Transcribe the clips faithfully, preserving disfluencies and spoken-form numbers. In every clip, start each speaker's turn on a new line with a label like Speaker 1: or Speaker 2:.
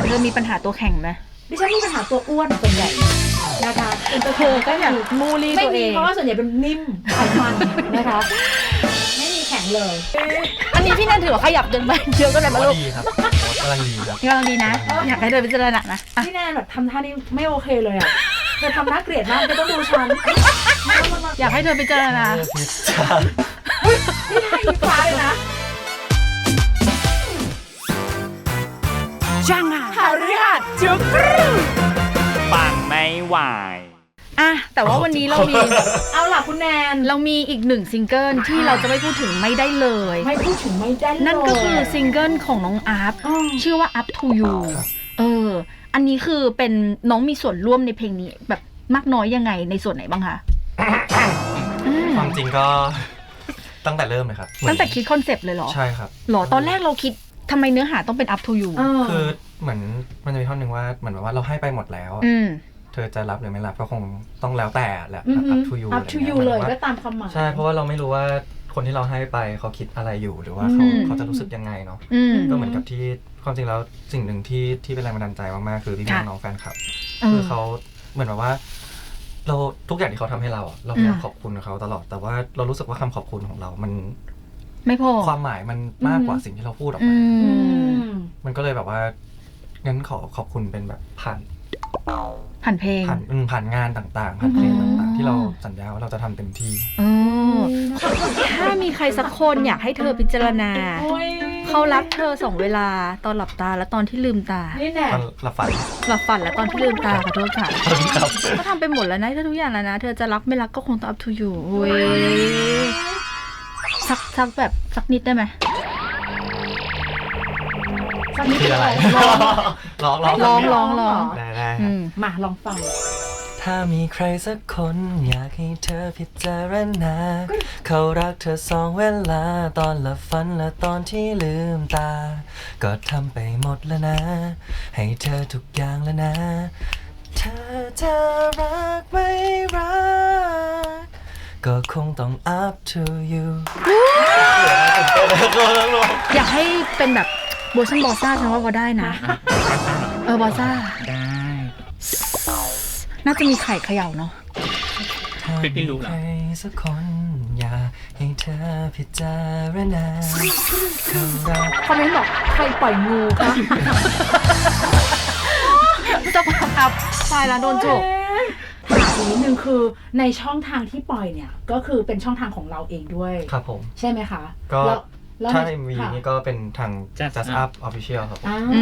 Speaker 1: เธอมีปัญหาตัวแข็งไหม
Speaker 2: ดิฉันมีปัญหาตัวอ้วนส่วนใหญ่นะคะเป็นตัวเธอก็อย่าง
Speaker 1: มูลี่ตัวเอง
Speaker 2: ไม่มีเพราะว่าส่วนใหญ่เป็นนิ่มไขมันนะคะไม่มีแข็งเลย
Speaker 1: อันนี้พี่แนนถือว่าขยับจนไปเยอะก็เลยมาลูก
Speaker 3: ดีครับกำลังดีครับ
Speaker 1: กำลังดีนะอยากให้เธอพิจารณานะ
Speaker 2: พี่แนนแบบทำท่านี้ไม่โอเคเลยอ่ะเธอทำน่าเกลียดมากเธอต้องดูฉัน
Speaker 1: อยากให้เธอพิจารณา
Speaker 2: นี่ให้อีฟ้าเลยนะ
Speaker 1: จังอ่ะ
Speaker 2: หาเรื่องจุก
Speaker 4: ปังไม่ไหว
Speaker 1: อ่ะแต่ว่าวันนี้เรามี
Speaker 2: เอาล่ะคุณแนน
Speaker 1: เรามีอีกหนึ่งซิงเกิลที่เราจะไม่พูดถึงไม่ได้เลย
Speaker 2: ไม่พูดถึงไม่ได้เลย
Speaker 1: นั่นก็คือซิงเกิลของน้องอัพชื่อว่า Up to You เอออันนี้คือเป็นน้องมีส่วนร่วมในเพลงนี้แบบมากน้อยยังไงในส่วนไหนบ้างคะ
Speaker 3: ความจริงก็ตั้งแต่เริ่มเลยครับ
Speaker 1: ตั้งแต่คิดคอนเซปต์เลยเหรอ
Speaker 3: ใช่ครับ
Speaker 1: หรอตอนแรกเราคิดทำไมเนื้อหาต้องเป็น Up to You
Speaker 3: คือเหมือนมันจะมีท่อนหนึ่งว่าเหมือนว่าเราให้ไปหมดแล้วเธอจะรับหรือไม่รับก็คงต้องแล้วแต่แหละ
Speaker 2: Up to You Up to You เลยก็ตามคำหมาย
Speaker 3: ใช่เพราะว่าเราไม่รู้ว่าคนที่เราให้ไปเขาคิดอะไรอยู่หรือว่าเขาเขาจะรู้สึกยังไงเนาะก็เหมือนกับที่ความจริงแล้วสิ่งหนึ่งที่ที่เป็นแรงบันดาลใจมากๆคือพี่น้องแฟนคลับคือเขาเหมือนแบบว่าเราทุกอย่างที่เขาทำให้เราเราพยายามขอบคุณเขาตลอดแต่ว่าเรารู้สึกว่าคำขอบคุณของเรามัน
Speaker 1: ไม่พอ
Speaker 3: ความหมายมันมากกว่าสิ่งที่เราพูดออกมามันก็เลยแบบว่างั้นขอขอบคุณเป็นแบบผ่าน
Speaker 1: ผ่านเพลง
Speaker 3: ผ่านผ่านงานต่างๆผ่านเพลงต่างๆที่เราสัญญาว่าเราจะทำเต็มที่
Speaker 1: ถ้ามีใครสักคนอยากให้เธอพิจารณาเขารักเธอสองเวลาตอนหลับตาและตอนที่ลืมตา
Speaker 3: ตอนหลับฝัน
Speaker 1: หลับฝันและตอนที่ลืมตาขอโทษค่ะก็ทำไปหมดแล้วนะทุกอย่างแล้วนะเธอจะรักไม่รักก็คงต้อง up to you เว้ยสักสักแบบสักนิดได้ไหม
Speaker 2: สักนิดอะไร
Speaker 3: ร้องร้อง
Speaker 1: ร้องร้องร้อง
Speaker 3: ได้ได้
Speaker 2: มาลองฟัง
Speaker 3: ถ้ามีใครสักคนอยากให้เธอพิจารณาเขารักเธอสองเวลาตอนหลับฝันและตอนที่ลืมตาก็ทำไปหมดแล้วนะให้เธอทุกอย่างแล้วนะเธอจะรักไม่รักก็คงต้อง up to you
Speaker 1: อยากให้เป็นแบบโบชันบอซ่าฉันว่าพอได้นะเออบอซ่า
Speaker 4: ได้
Speaker 1: น่าจะมีไข่เขย่าเนาะ
Speaker 4: เป็นพี่รู้เหรอ
Speaker 3: ใครสักคนอยากให้เธอพิจารณา
Speaker 2: คอมเมนต์บอกใครปล่อยงูคะ
Speaker 1: จะอัพตายแล้วโดนจุก
Speaker 2: ถามอีกนิดนึงคือในช่องทางที่ปล่อยเนี่ยก็คือเป็นช่องทางของเราเองด้วย
Speaker 3: ครับผม
Speaker 2: ใช่ไหมคะ
Speaker 3: ก็ถ้า เอ็ม วี นี่ก็เป็นทาง Just Up Official ครับ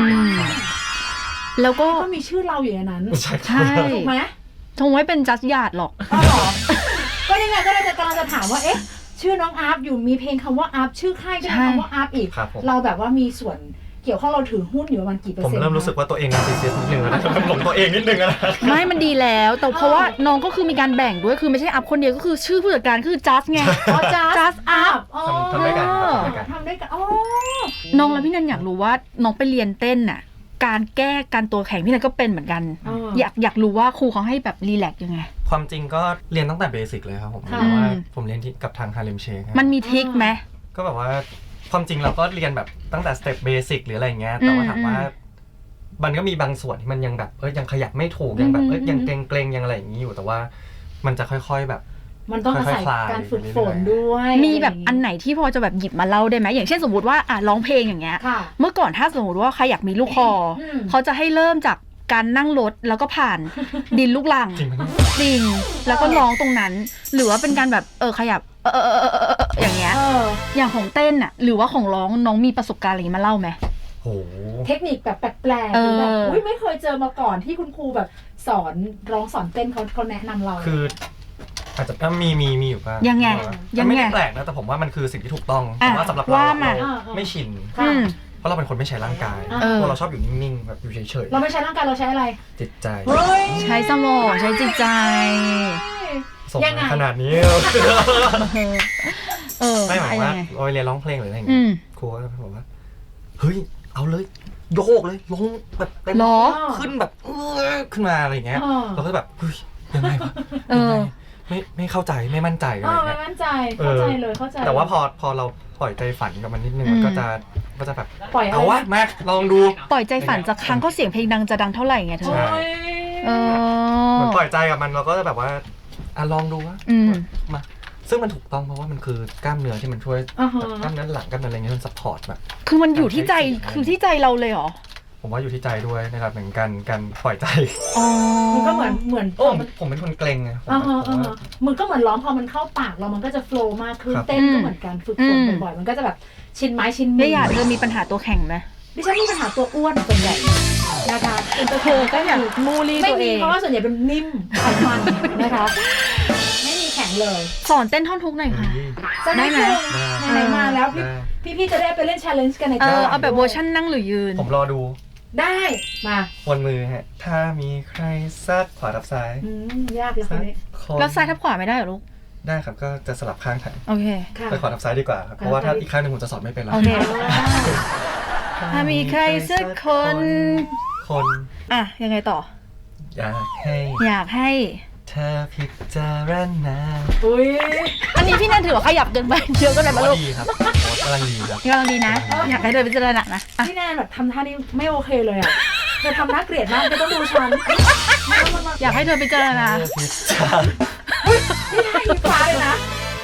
Speaker 1: แล้วก็
Speaker 2: ก็มีชื่อเราอยู่ในนั้น
Speaker 3: ใช่
Speaker 2: ถูกไหม
Speaker 1: คงไม่เป็น Just หยาดหรอก
Speaker 2: ก็ยังไงก็เลยจะกำลังจะถามว่าเอ๊ะชื่อน้องอัพอยู่มีเพลงคำว่าอัพชื่อค่ายก็มีคำว่าอัพอีกเราแบบว่ามีส่วนเกี่ยวข้องเราถือหุ้นอยู่ประมาณกี่เปอร์เซ็นต์
Speaker 3: ผมเริ่มรู้สึกว่าตัวเองนาร์ซิสซิสต์นิดนึงนะหลงตัวเองนิดนึงนะ
Speaker 1: ไม่มันดีแล้วแต่เพราะว่าน้องก็คือมีการแบ่งด้วยคือไม่ใช่อัพคนเดียวก็คือชื่อผู้จัดการคือ Just ไง
Speaker 2: อ๋อ Just Up
Speaker 3: ทำได้กัน
Speaker 2: ทำได้กันอ๋อ
Speaker 1: น้องแล้วพี่นันอยากรู้ว่าน้องไปเรียนเต้นน่ะการแก้การตัวแข็งพี่นันก็เป็นเหมือนกันอยากอยากรู้ว่าครูเขาให้แบบรีแลกซ์ยังไง
Speaker 3: ความจริงก็เรียนตั้งแต่เบสิกเลยครับผมเพราะว่าผมเรียนที่กับทางฮาเลมเชค
Speaker 1: มันมีทริคไหม
Speaker 3: ก็แบบว่าความจริงเราก็เรียนแบบตั้งแต่สเต็ปเบสิกหรืออะไรเงี้ยแต่ว่าถามว่ามันก็มีบางส่วนที่มันยังแบบเอ้ยยังขยับไม่ถูกยังแบบเอ้ยยังเกรงๆยังอะไรอย่างนี้อยู่แต่ว่ามันจะค่อยๆแบบ
Speaker 2: มันต้องอาศัยการฝึกฝนด้วย
Speaker 1: มีแบบอันไหนที่พอจะแบบหยิบมาเล่าได้ไหมอย่างเช่นสมมติว่าอ่ะร้องเพลงอย่างเงี้ยเมื่อก่อนถ้าสมมติว่าใครอยากมีลูกคอเขาจะให้เริ่มจากการนั่งรถแล้วก็ผ่านดินลูกลังจริงแล้วก็ร้องตรงนั้นหรือว่าเป็นการแบบเออขยับเออเออเอออย่างเงี้ยอย่างของเต้นอ่ะหรือว่าของร้องน้องมีประสบการณ์อะไรมาเล่าไหม
Speaker 2: เทคนิคแบบแปลกๆหรือแบบอุ้ยไม่เคยเจอมาก่อนที่คุณครูแบบสอนร้องสอนเต้นเขาเขาแนะนำเรา
Speaker 3: คืออาจจะก็มีมีมีอยู่บ้าง
Speaker 1: ยังไง
Speaker 3: ยังไม่ได้แปลกนะแต่ผมว่ามันคือสิ่งที่ถูกต้องแต่ว่าสำหรับเราเราไม่ชินเพราะเราเป็นคนไม่ใช้ร่างกายพวกเราชอบอยู่นิ่งๆแบบอยู่เฉยๆ
Speaker 2: เราไม่ใช้ร่างกายเราใช้อะไร
Speaker 3: จิตใจ
Speaker 1: ใช้สมองใช้จิตใจ
Speaker 3: ส่งขนาดนี้ไม่หมายว่าเราเรียนร้องเพลงหรืออะไรอย่างเงี้ยครูก็บอกว่าเฮ้ยเอาเลยโยกเลยลงแบบเต็มขึ้นแบบขึ้นมาอะไรอย่างเงี้ยเราก็แบบเฮ้ยยังไงวะยังไงไม่ไม่เข้าใจไม่มั่นใจอะไร
Speaker 2: เออ
Speaker 3: เงี้
Speaker 2: ไม่
Speaker 3: ย
Speaker 2: มั่นใจเข้าใจเลยเข้าใจ
Speaker 3: แต่ว่าพอพอเราปล่อยใจฝันกับมันนิดนึง
Speaker 1: อืม
Speaker 3: มันก็จะก็จะแบบ
Speaker 2: ปล่อยอะไร
Speaker 3: เอาวะมาลองดู
Speaker 1: ปล่อยใจฝันจากครั้งก็เสียงเพลงดังจะดังเท่าไหร่ไงเธ
Speaker 2: โอ้
Speaker 1: อย เออ
Speaker 3: เหมือนปล่อยใจกับมันเราก็จะแบบว่าอ่ะลองดูวะ
Speaker 1: อืม
Speaker 3: มาซึ่งมันถูกต้องเพราะว่ามันคือกล้ามเนื้อที่มันช่วย
Speaker 2: อ่าฮะ
Speaker 3: กล้ามเนื้อหลังกล้ามเนื้ออะไรเงี้ยมันซัพพอร์ตแบบ
Speaker 1: คือมันอยู่ที่ใจคือที่ใจเราเลยเหรอ
Speaker 3: ผมว่าอยู่ที่ใจด้วยนะครับเหมือนกันการปล่อยใจ
Speaker 1: อ๋อ
Speaker 2: มันก็เหมือนเหมือน
Speaker 3: โอ้ผมเป็นคนเกรงไงผม
Speaker 2: อ่าฮะ
Speaker 3: ผม
Speaker 2: อ่า
Speaker 3: ว่า
Speaker 2: ฮะมันก็เหมือนร้องพอมันเข้าปากเรามันก็จะโฟล์มากขึ้น
Speaker 3: ครับ
Speaker 2: เต้นก็เหมือนกันฝึกฝนบ่อยๆมันก็จะแบบชินไม้ชินมื
Speaker 1: แล้วอยากเธอมีปัญหาตัวแข็งไหม
Speaker 2: ดิฉันมีปัญหาตัวอ้วนส่วนใหญ่นะคะเอ็นเตอร์
Speaker 1: เธ
Speaker 2: เท
Speaker 1: อน ก็อยากมูลี่
Speaker 2: ไม่
Speaker 1: ตัวเอ
Speaker 2: มี
Speaker 1: ง
Speaker 2: เพราะว่าส่วนใหญ่เป็นนิ่มไขมันนะคะไม่มีแข็งเลย
Speaker 1: สอนเต้นท่อนทุกหน่อยค่ะ
Speaker 2: จะ
Speaker 1: ได้ไหม
Speaker 2: ไหนๆมาแล้วพี่
Speaker 3: ได้
Speaker 2: พี่ๆจะได้ไปเล่น challenge กันใน
Speaker 1: เออ
Speaker 2: ตลด
Speaker 1: เอาแบบเวอร์ชันนั่งหรือยืน
Speaker 3: ผมรอดู
Speaker 2: ได้มา
Speaker 3: วนมือฮะถ้ามีใครซักขวาทับซ้าย
Speaker 2: อืมยากเลยคนนี้
Speaker 3: คน
Speaker 1: แล้วซ้ายทับขวาไม่ได้เหรอลูก
Speaker 3: ได้ครับก็จะสลับข้างถ่าย
Speaker 1: โอเค
Speaker 2: ค่ะ
Speaker 3: ไปขวาทับซ้ายดีกว่าครับเพราะว่าถ้าอีกข้างหนึงผมจะสอนไม่เป็นแล้ว
Speaker 1: โอเค
Speaker 2: อ่า
Speaker 1: ถ้ามีใครสักคน
Speaker 3: คน
Speaker 1: อ่ะ ยังไงต่อ
Speaker 3: อยากให้
Speaker 1: อยากให้
Speaker 3: เธอพิจารณา
Speaker 2: อุ้ย
Speaker 1: อันนี้พี่นันถือว่าขยับเกินไปเยอะเก็เลย
Speaker 3: ก็
Speaker 1: มาลูก
Speaker 3: ดีครับกำลังดีครับ
Speaker 1: กำลังดีนะ อยากให้เธอพิจารณานะอ่ะ
Speaker 2: พี่แนนแบบทำท่านี้ไม่โอเคเลยอ่ะเธอทำน่าเกลียดมากเธอต้องดูฉัน
Speaker 1: อยากให้เธอพิจารณา
Speaker 3: เธอพิจาร
Speaker 2: นี่ท่าอีฟ้าเลยนะ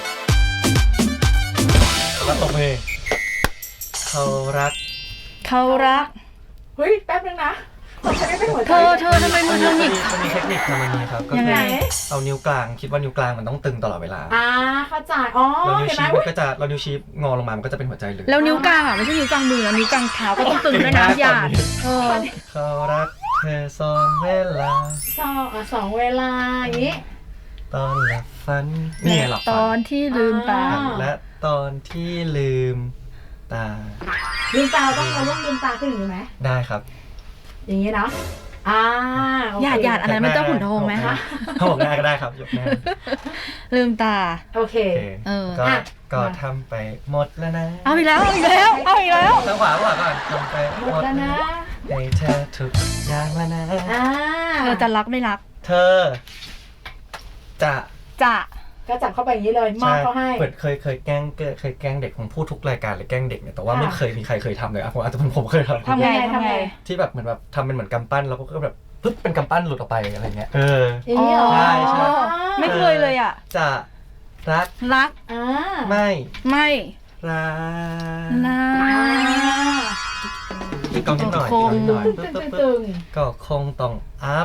Speaker 3: แล้วตบมือเขารัก
Speaker 1: เขารัก
Speaker 2: เฮ้ยแป๊บนึงนะผมจะไม่เป็นหัวใจ
Speaker 1: เธอเธอทำไมมือเธอหงิก
Speaker 3: มันมีเทคนิคทำมันนี้ครับก็
Speaker 1: ยัง
Speaker 3: คื
Speaker 1: ไง
Speaker 3: อเอานิ้วกลางคิดว่านิ้วกลางมันต้องตึงตลอดเวลา
Speaker 2: อ่าเข้าใจอ๋อ
Speaker 3: เรานิ้ว
Speaker 2: เห็นไหม
Speaker 3: ชี้มันก็จะเรานิ้วชี้งอลงมามันก็จะเป็นหัวใจเลย
Speaker 1: แล้วนิ้วกลางอ่ะไม่ใช่นิ้วกลางมือนิ้วกลางเท้าก็ต้องตึงด้วยนะหยาดเออ
Speaker 3: เขารักเธอสองเวลา
Speaker 2: สองอ่ะสองเวลาอย่างนี้
Speaker 3: ตอนหลับฝันนี่ไงหลับ
Speaker 1: ต
Speaker 3: ฝั
Speaker 1: อน
Speaker 3: น
Speaker 1: ที่ลืมตา
Speaker 2: อ่า
Speaker 3: และตอนที่ลืมตา
Speaker 2: ลืมตาเราต้องเราต้องลืมตาขึ้นอย่างนี้ไหม
Speaker 3: ได้ครับ
Speaker 2: อย่างนี้เนาะอ่าโอเค
Speaker 1: หยาดหยาดอันนั้นมันเจ้าขุนทองไหมคะ
Speaker 3: เขาบอกหน้าก็ได้ครับยกหน้า
Speaker 1: ลืมตา
Speaker 2: โอเค
Speaker 3: โอเค
Speaker 1: เออ
Speaker 3: ก็
Speaker 2: อ่ะ
Speaker 3: ก็ทำไปหมดแล้วนะ
Speaker 1: เอาอีกแล้วเอาอีกแล้วเอาอีกแล้ว
Speaker 3: ทางขวาขวาก่อนทำไป
Speaker 2: หมดแล้วนะ
Speaker 3: ให้เธอทุกอย่างแล้วนะ
Speaker 2: อ่า
Speaker 1: เธอจะรักไม่รัก
Speaker 3: เธอ จะ
Speaker 1: จะ
Speaker 2: ก็จับเข้าไปอย่างนี้เลยมอบเขาให้
Speaker 3: เปิดเคยเคยแกล้งเคยแกล้งเด็กผมพูดทุกรายการเลยแกล้งเด็กเนี่ยแต่ว่า
Speaker 2: ค่ะ
Speaker 3: ไม่เคยมีใครเคยทำเลยอ่ะผมอาจจะเป็นผมเคยทำ
Speaker 1: ทำไง
Speaker 2: ยังไง
Speaker 1: ทำไง
Speaker 2: ทำไง
Speaker 3: ที่แบบเหมือนแบบทำเป็นเหมือนกำปั้นแล้วก็แบบปึ๊บเป็นกำปั้นหลุดออกไปอะไรเงี้ยเออ
Speaker 2: อย่างนี้เหรอ
Speaker 3: ใช่ใช่
Speaker 1: ไม่เคยเลยอ่ะ
Speaker 3: จะรัก
Speaker 1: รัก
Speaker 2: อ่า
Speaker 3: ไม่
Speaker 1: ไม่
Speaker 3: รัก
Speaker 1: นะ
Speaker 2: อ่า
Speaker 3: อีกกองนิดหน่อย
Speaker 1: คง
Speaker 3: อีกกองนิดหน่อย
Speaker 2: ตึ
Speaker 3: ปึ๊
Speaker 2: ง
Speaker 3: บ
Speaker 2: ตึ
Speaker 3: ปึ๊บ
Speaker 2: ง
Speaker 3: ปึ๊บ
Speaker 2: ตึง
Speaker 3: ก็คงต้อง up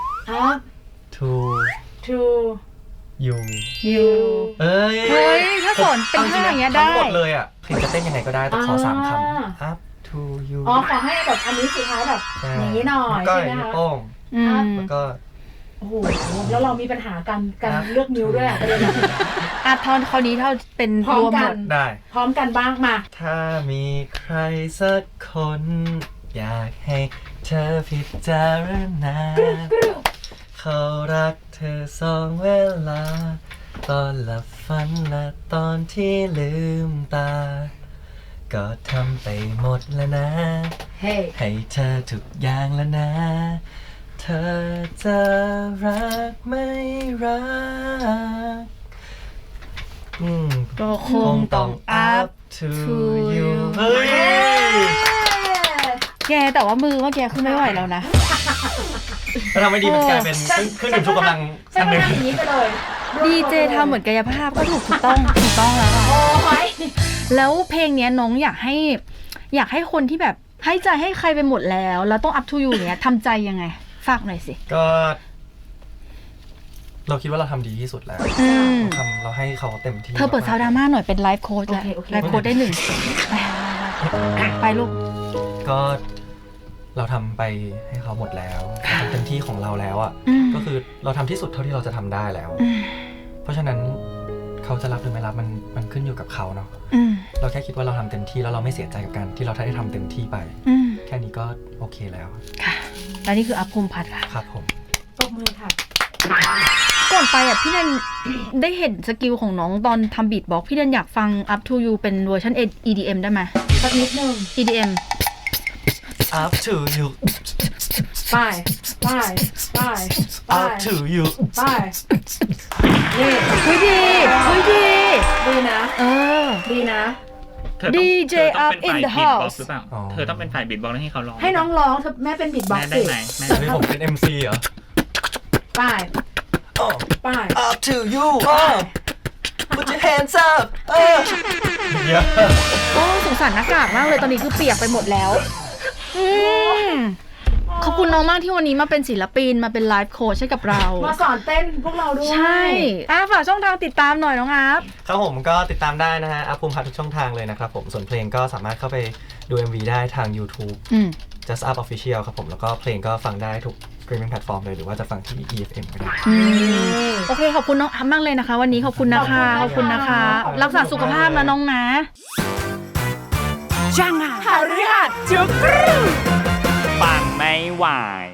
Speaker 2: up
Speaker 3: to
Speaker 2: to
Speaker 3: you
Speaker 1: อยู่
Speaker 3: เอ้ย
Speaker 1: เฮ้ยถ้าสอนเป็นท่าอย่างเงี้ยได้
Speaker 3: ทั้งหมดเลยอ่ะคือจะเต้นยังไงก็ได้แต่ขอสามค
Speaker 2: อ่า
Speaker 3: ำ up to you
Speaker 2: อ๋อขอให้แบบอันนี้สุดท้ายแบบ
Speaker 3: ใช่
Speaker 2: อย่างนี้หน่อย
Speaker 3: แล้วก็
Speaker 2: ใช่ไหม
Speaker 3: นิ้ว
Speaker 2: คะ
Speaker 3: โป้ง
Speaker 1: อืม
Speaker 3: แล้วก็
Speaker 2: โอ้โหแล้วเรามีปัญหาการการเลือกนิ้วด้วยอะประเด็นอะ
Speaker 1: อ่ะทอนคราวนี้เท่าเป็น
Speaker 2: พร้อ
Speaker 1: ร
Speaker 2: ม
Speaker 1: วม
Speaker 2: กั
Speaker 1: หม
Speaker 2: น
Speaker 1: ด
Speaker 3: ได้
Speaker 2: พร้อมกันบ้างมา
Speaker 3: ถ้ามีใครสักคน อยากให้เธอพิจารณา เขารักเธอสองเวลา ตอนหลับฝันและตอนที่ลืมตา ก็ทำไปหมดแล้วนะ
Speaker 2: เฮ้
Speaker 3: ให้เธอทุกอย่างแล้วนะ เธอจะรักไม่รักอืม
Speaker 1: ก็คงต้อง up
Speaker 3: to
Speaker 1: to
Speaker 3: you
Speaker 1: you
Speaker 3: เฮ้ย
Speaker 1: แกแต่ว่ามือเมื่อกี้คือไม่ไหวแล้วนะ
Speaker 3: แล้วทำไม่ดีมันกลายเป็นเครื่องดื่มชูกำลัง
Speaker 2: ใช่
Speaker 3: อัน
Speaker 2: ไหม
Speaker 3: หนึ่ง
Speaker 2: อย่างนี้ไปเลย
Speaker 1: ดีเจทำเหมือนกายภาพก็ถูกถูกต้องถูกต้องแล้วอะ
Speaker 2: โอ้ย
Speaker 1: แล้วเพลงเนี้ยน้องอยากให้ อยากให้คนที่แบบให้ใจให้ใครไปหมดแล้ว แล้วต้อง up to you เนี้ยทำใจยังไง ฝากหน่อยสิ
Speaker 3: ก็ เราคิดว่าเราทำดีที่สุดแล้ว
Speaker 1: อืม
Speaker 3: เราทำเราให้เขาเต็มที่
Speaker 1: เธอเปิดซาวดราม่าหน่อยเป็นไลฟ์โค้ดแล้ว
Speaker 2: โอเคโอเค
Speaker 1: ไลฟ์โค้ดได้หนึ่งไปไปลูก
Speaker 3: ก็เราทำไปให้เขาหมดแล้วเราทำเต็มที่ของเราแล้วอ่ะ
Speaker 1: อืม
Speaker 3: ก็คือเราทำที่สุดเท่าที่เราจะทำได้แล้ว
Speaker 1: อืม
Speaker 3: เพราะฉะนั้นเขาจะรับหรือไม่รับมันมันขึ้นอยู่กับเขาเนาะ
Speaker 1: อืม
Speaker 3: เราแค่คิดว่าเราทำเต็มที่แล้วเราไม่เสียใจกับการที่เราได้ทำเต็มที่ไป
Speaker 1: อืม
Speaker 3: แค่นี้ก็โอเคแล้ว
Speaker 1: ค่ะและนี่คืออัพภูมิพัฒน์ค่ะ
Speaker 3: ครับผม
Speaker 2: ตบมือค่ะ
Speaker 1: ก่อนไปอ่ะพี่แนน ได้เห็นสกิลของน้องตอนทำบีทบ็อกซ์พี่แนนอยากฟัง up to you เป็นเวอร์ชัน อี ดี เอ็ม ได้ไหม
Speaker 2: สักนิดนึง
Speaker 1: อี ดี เอ็ม
Speaker 3: up to you
Speaker 2: ไปไปไปไป
Speaker 3: Up to you
Speaker 2: ไปนี่
Speaker 1: เฮ้ยดีเฮ้ยดี
Speaker 2: ดีนะ
Speaker 1: เออ
Speaker 2: ดีนะ
Speaker 4: เธอต้อง
Speaker 1: ดี เจ
Speaker 4: เธอต้องเป็น
Speaker 1: up in
Speaker 4: ฝ่าย
Speaker 1: the
Speaker 4: บีทบ็อกซ์
Speaker 1: house
Speaker 4: หรือเปล่า
Speaker 3: อ๋อ
Speaker 4: เธอต้องเป็นฝ่ายบีทบ็อกซ์ให้เขาร้อง
Speaker 2: ให้น้องร้องเธอแม่เป็นบิดบ็อก
Speaker 4: แม่
Speaker 2: ซ์
Speaker 4: ได้
Speaker 2: สิ
Speaker 4: ไหมแม่
Speaker 3: อันนี้ผมเป็น เอ็ม ซี เหรอ
Speaker 2: ไป
Speaker 3: Oh
Speaker 2: ไป
Speaker 3: Up to you oh Put your hands up เออเยอะ
Speaker 1: โอ้สงสารหน้ากากมากเลยตอนนี้คือเปียกไปหมดแล้วอืมขอบคุณน้องมากที่วันนี้มาเป็นศิลปินมาเป็นไลฟ์โค้ชให้กับเรา
Speaker 2: มาสอนเต้นพวกเราด้วย
Speaker 1: ใช่อ่ะฝากช่องทางติดตามหน่อยน้องอาร์ฟ
Speaker 3: ครับผมก็ติดตามได้นะฮะอัพภูมิพัฒน์ทุกช่องทางเลยนะครับผมส่วนเพลงก็สามารถเข้าไปดู เอ็ม วี ได้ทาง YouTube
Speaker 1: อืม
Speaker 3: Just Up Official ครับผมแล้วก็เพลงก็ฟังได้ทุก streaming platform เลยหรือว่าจะฟังที่ อี เอฟ เอ็ม ก็ได้
Speaker 1: อืมโอเคขอบคุณน้องอาร์ฟมากเลยนะคะ วันนี้ขอบคุณนะคะขอบคุณนะคะ รักษาสุขภาพนะน้องนะจังอ่ะหาเรื่องจุกรู
Speaker 4: ปังไม่ไหว